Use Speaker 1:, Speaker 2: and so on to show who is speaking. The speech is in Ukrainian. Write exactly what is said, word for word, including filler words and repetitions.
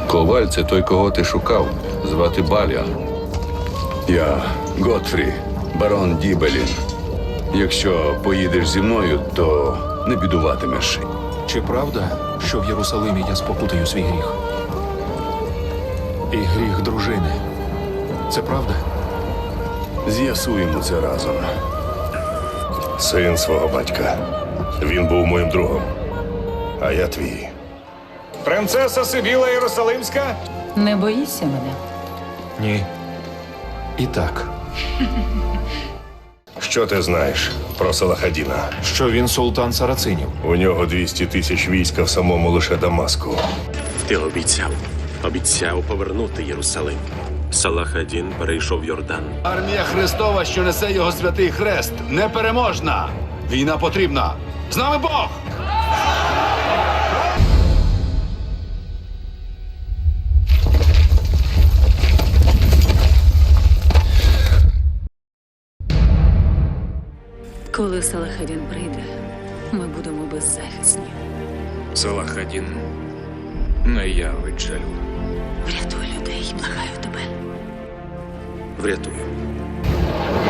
Speaker 1: Коваль – це той, кого ти шукав. Звати Баліан. Я Готфрі, барон Дібелін. Якщо поїдеш зі мною, то не бідуватимеш.
Speaker 2: Чи правда, що в Єрусалимі я спокутаю свій гріх? І гріх дружини. Це правда?
Speaker 1: З'ясуємо це разом.
Speaker 3: Син свого батька. Він був моїм другом. А я твій.
Speaker 4: Принцеса Сибіла Єрусалимська?
Speaker 5: Не боїшся мене?
Speaker 2: Ні. І так.
Speaker 3: Що ти знаєш про Салахадіна?
Speaker 2: Що він султан сарацинів.
Speaker 3: У нього двісті тисяч війська в самому лише Дамаску.
Speaker 6: Ти обіцяв. Обіцяв повернути Єрусалим. Салахадін перейшов Йордан.
Speaker 7: Армія Христова, що несе його святий хрест, непереможна. Війна потрібна. З нами Бог!
Speaker 5: Коли Салахадін прийде, ми будемо беззахисні.
Speaker 8: Салахадін не явить жалю.
Speaker 5: Врятуй людей, благаю тебе.
Speaker 6: Врятуй.